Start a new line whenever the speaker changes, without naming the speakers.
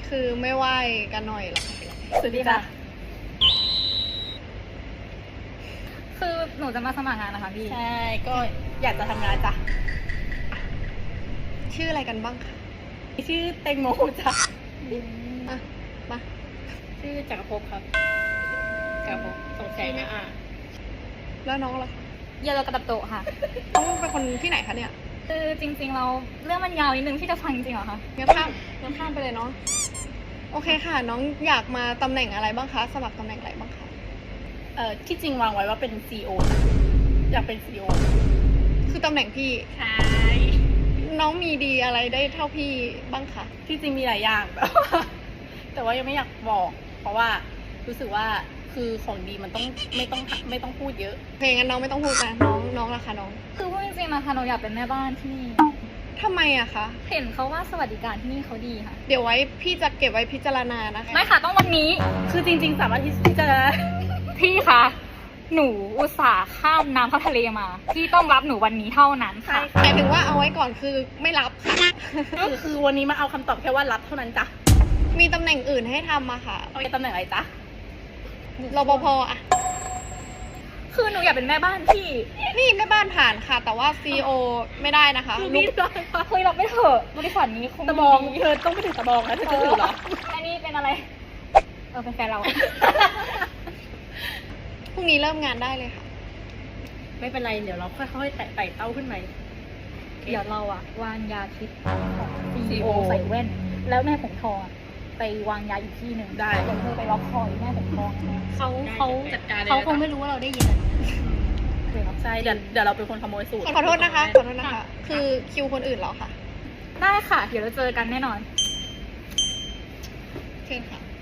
คือไม่ไหวกันหน่อยหรอ
สวัสดีค่ะ คือหนูจะมาสมัครงานนะคะพี่
ใช่ ก็อยากจะทำงานจ้ะ
ชื่ออะไรกันบ้างคะ
ชื่อแตงโมจ้ะ
อ่ะมา
ชื่อจักรภพครับจักรภพสงสัยนะ
แล้วน้องล่ะคะ
เยลโลกระดับโตะค่ะ
น้องเป็นคนที่ไหนคะเนี่ย
คือจริงๆเราเรื่องมันยาวนิดนึงพี่จะฟังจริงเหรอคะ
งั้นข้ามไปเลยเนาะโอเคค่ะ น้องอยากมาตำแหน่งอะไรบ้างคะสมัครตำแหน่งอะไรบ้างคะ
ที่จริงวางไว้ว่าเป็น CEO นะอยากเป็น CEO
คือตำแหน่งพี่
ใช่
น้องมีดีอะไรได้เท่าพี่บ้างคะ
ที่จริงมีหลายอย่าง แต่ว่ายังไม่อยากบอก เพราะว่ารู้สึกว่าคือของดีมันต้องไม่ต้องพูดเยอะ
โอเคงั้นน้องไม่ต้องพูดนะน้องล่ะคะน้อง
คือพูดจริงๆนะคะหนูอยากเป็นแม่บ้านที่นี่
ทำไมอะคะ
เห็นเขาว่าสวัสดิการที่นี่เขาดีค่ะ
เดี๋ยวไว้พี่จะเก็บไว้พิจารณานะคะ
ไม่ค่ะต้องวันนี้
คือจริง ๆ สามารถที่จะ
พี่คะหนูอุตส่าห์ข้ามน้ำเข้าทะเลมา พี่ต้องรับหนูวันนี้เท่านั้นค่ะ
หมายถึงว่าเอาไว้ก่อนคือไม่รับค่ะ
คือวันนี้มาเอาคำตอบแค่ว่ารับเท่านั้นจ้ะ
มีตำแหน่งอื่นให้ทำอะค่ะ
เอาไปตำแหน่งอะไรจ๊ะ
รปภอะ
คือหนูอยากเป็นแม่บ้านพี่
นี่แม่บ้านผ่านค่ะ แต่ว่า CEO ไม่ได้นะคะ
คือ
ลู
นี่
ก
เคยรับไม่เถอะบริษัทนี้คง
ตะบอง
ดี
เธอต้องไปถือตะบองนะเธอจะถือเหรอ
อันนี้เป็นอะไร เป็นแฟนเรา
พรุ่งนี้เริ่มงานได้เลยค่ะ
ไม่เป็นไร เดี๋ยวเราค่อยๆไต่เต้าขึ้นไป
เดี๋ยวเราอะวางยาพิษของ
CEO
CEO ใส่แว่น แล้วแม่ผมทองอะไปวางยาอีกที่หนึ่ง
ได้
เดี๋ยวเธอไปล็อกคออีแม่ผมทองนะ
เขา
จัดการเขาคงไม่รู้ว่าเราได้ยินเดี๋ยว
ใช่เดี๋ยวเราเป็นคนขโมยสูตร
ขอโทษนะคะ คือคิวคนอื่นแล้วค่ะ
ได้ค่ะ เดี๋ยวเราเจอกันแน่นอน
เชิญค่ะ